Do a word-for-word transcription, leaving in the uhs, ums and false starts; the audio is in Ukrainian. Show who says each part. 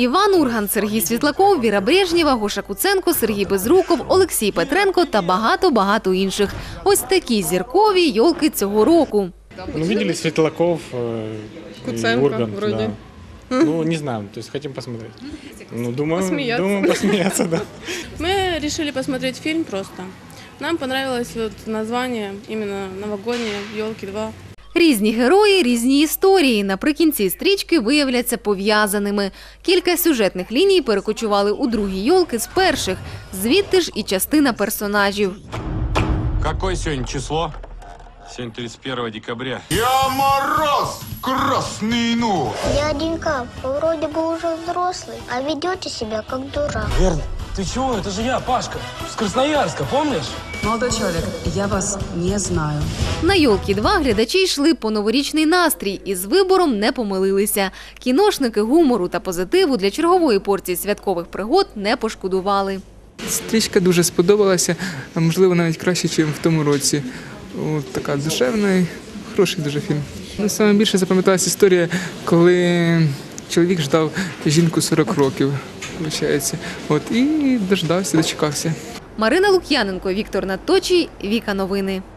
Speaker 1: Іван Урган, Сергій Світлаков, Віра Брежнєва, Гоша Куценко, Сергій Безруков, Олексій Петренко та багато-багато інших. Ось такі зіркові йолки цього року.
Speaker 2: Ну, видели Светлаков, э,
Speaker 3: Куценко,
Speaker 2: Ургант,
Speaker 3: вроде.
Speaker 2: Да. Ну, не знаю, то есть хотим посмотреть. Ну, думаю,
Speaker 3: Посмеяться.
Speaker 2: думаю, посмеяться, да.
Speaker 3: Мы решили посмотреть фильм просто. Нам понравилось вот название, именно новогоднее, «Елки два».
Speaker 1: Різні герої, різні історії. Наприкінці стрічки виявляться пов'язаними. Кілька сюжетних ліній перекочували у другі йолки з перших. Звідти ж і частина персонажів.
Speaker 4: Какое сегодня число? Сегодня тридцать первое декабря.
Speaker 5: Я Мороз, красный нос.
Speaker 6: Дяденька, вы вроде бы уже взрослый, а ведете себя как дурак.
Speaker 7: Верн, ты чего? Это же я, Пашка, с Красноярска, помнишь?
Speaker 8: Молодой человек, я вас не знаю.
Speaker 1: На «Йолки-два» глядачі йшли по новорічний настрій і з вибором не помилилися. Кіношники гумору та позитиву для чергової порції святкових пригод не пошкодували.
Speaker 9: Стрічка дуже сподобалася, а можливо навіть краще, ніж в тому році. От така душевна і хороший дуже фільм. Ну, саме більше запам'яталася історія, коли чоловік ждав жінку сорок років, виходить. От, і дождався, дочекався.
Speaker 1: Марина Лук'яненко, Віктор Надточій, Віка Новини.